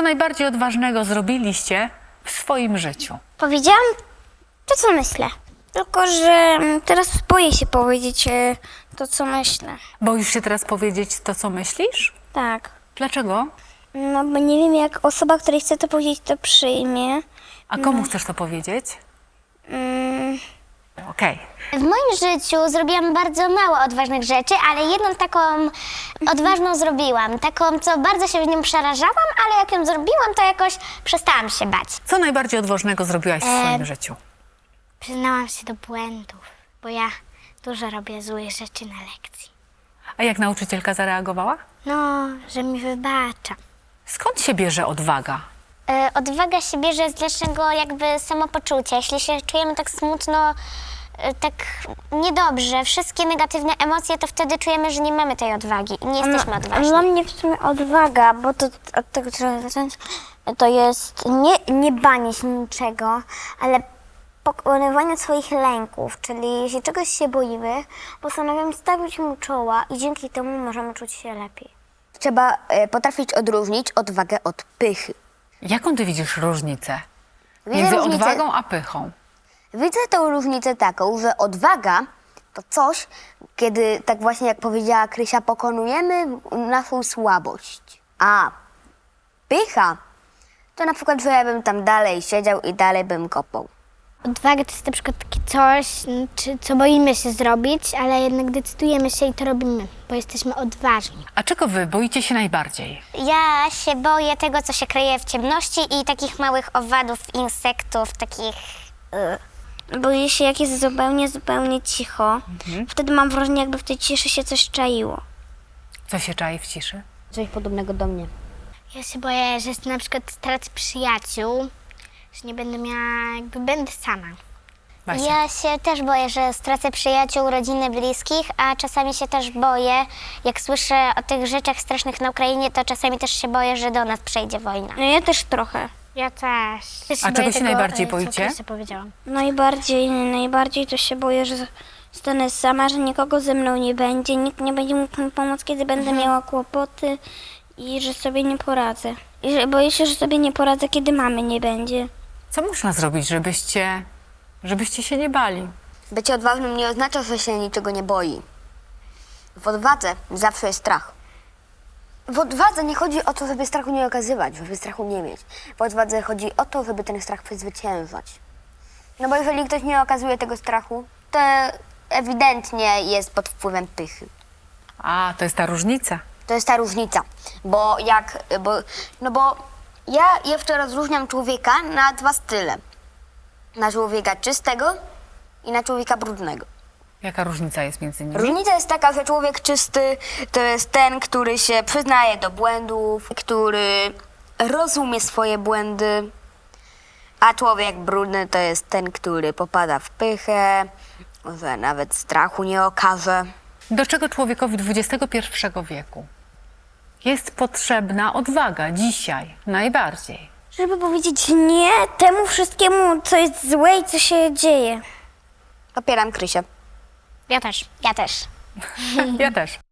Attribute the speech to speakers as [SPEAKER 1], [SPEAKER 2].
[SPEAKER 1] Co najbardziej odważnego zrobiliście w swoim życiu?
[SPEAKER 2] Powiedziałam to, co myślę. Tylko, że teraz boję się powiedzieć to, co myślę.
[SPEAKER 1] Boisz się teraz powiedzieć to, co myślisz?
[SPEAKER 2] Tak.
[SPEAKER 1] Dlaczego?
[SPEAKER 2] No, bo nie wiem, jak osoba, której chcę to powiedzieć, to przyjmie.
[SPEAKER 1] A komu chcesz to powiedzieć? Okej.
[SPEAKER 3] W moim życiu zrobiłam bardzo mało odważnych rzeczy, ale jedną taką odważną zrobiłam. Taką, co bardzo się w nią przerażałam, ale jak ją zrobiłam, to jakoś przestałam się bać.
[SPEAKER 1] Co najbardziej odważnego zrobiłaś w swoim życiu?
[SPEAKER 3] Przyznałam się do błędów, bo ja dużo robię złych rzeczy na lekcji.
[SPEAKER 1] A jak nauczycielka zareagowała?
[SPEAKER 3] No, że mi wybacza.
[SPEAKER 1] Skąd się bierze odwaga?
[SPEAKER 3] Odwaga się bierze z naszego jakby samopoczucia. Jeśli się czujemy tak smutno, tak niedobrze, wszystkie negatywne emocje, to wtedy czujemy, że nie mamy tej odwagi i nie jesteśmy odważni.
[SPEAKER 2] Dla mnie w sumie odwaga, bo to od tego trzeba zacząć, to jest nie banie się niczego, ale pokonywanie swoich lęków, czyli jeśli czegoś się boimy, postanawiamy stawić mu czoła i dzięki temu możemy czuć się lepiej.
[SPEAKER 4] Trzeba potrafić odróżnić odwagę od pychy.
[SPEAKER 1] Jaką ty widzisz różnicę
[SPEAKER 4] Widzę
[SPEAKER 1] między
[SPEAKER 4] różnicę.
[SPEAKER 1] odwagą a pychą?
[SPEAKER 4] Widzę tę różnicę taką, że odwaga to coś, kiedy, tak właśnie jak powiedziała Krysia, pokonujemy naszą słabość. A pycha to na przykład, że ja bym tam dalej siedział i dalej bym kopał.
[SPEAKER 3] Odwaga to jest na przykład takie coś, co boimy się zrobić, ale jednak decydujemy się i to robimy, bo jesteśmy odważni.
[SPEAKER 1] A czego wy boicie się najbardziej?
[SPEAKER 3] Ja się boję tego, co się kryje w ciemności i takich małych owadów, insektów, takich...
[SPEAKER 2] Boję się, jak jest zupełnie cicho. Wtedy mam wrażenie, jakby w tej ciszy się coś czaiło.
[SPEAKER 1] Co się czai w ciszy?
[SPEAKER 4] Coś podobnego do mnie.
[SPEAKER 3] Ja się boję, że na przykład stracę przyjaciół, że nie będę miała, jakby będę sama.
[SPEAKER 1] Basia.
[SPEAKER 3] Ja się też boję, że stracę przyjaciół, rodziny, bliskich, a czasami się też boję, jak słyszę o tych rzeczach strasznych na Ukrainie, to czasami też się boję, że do nas przejdzie wojna.
[SPEAKER 2] No ja też trochę.
[SPEAKER 3] Ja też.
[SPEAKER 1] A czego się najbardziej boicie?
[SPEAKER 3] Co powiedziałam.
[SPEAKER 2] Najbardziej to się boję, że zostanę sama, że nikogo ze mną nie będzie, nikt nie będzie mógł mi pomóc, kiedy będę miała kłopoty i że sobie nie poradzę. Boję się, że sobie nie poradzę, kiedy mamy nie będzie.
[SPEAKER 1] Co można zrobić, żebyście się nie bali?
[SPEAKER 4] Bycie odważnym nie oznacza, że się niczego nie boi. W odwadze zawsze jest strach. W odwadze nie chodzi o to, żeby strachu nie okazywać, żeby strachu nie mieć. W odwadze chodzi o to, żeby ten strach przezwyciężać. No bo jeżeli ktoś nie okazuje tego strachu, to ewidentnie jest pod wpływem pychy.
[SPEAKER 1] A, to jest ta różnica.
[SPEAKER 4] To jest ta różnica, bo ja jeszcze rozróżniam człowieka na dwa style. Na człowieka czystego i na człowieka brudnego.
[SPEAKER 1] Jaka różnica jest między nimi?
[SPEAKER 4] Różnica jest taka, że człowiek czysty to jest ten, który się przyznaje do błędów, który rozumie swoje błędy, a człowiek brudny to jest ten, który popada w pychę, że nawet strachu nie okaże.
[SPEAKER 1] Do czego człowiekowi XXI wieku jest potrzebna odwaga dzisiaj najbardziej?
[SPEAKER 2] Żeby powiedzieć nie temu wszystkiemu, co jest złe i co się dzieje.
[SPEAKER 4] Popieram Krysię.
[SPEAKER 3] Ja też.
[SPEAKER 1] Ja też.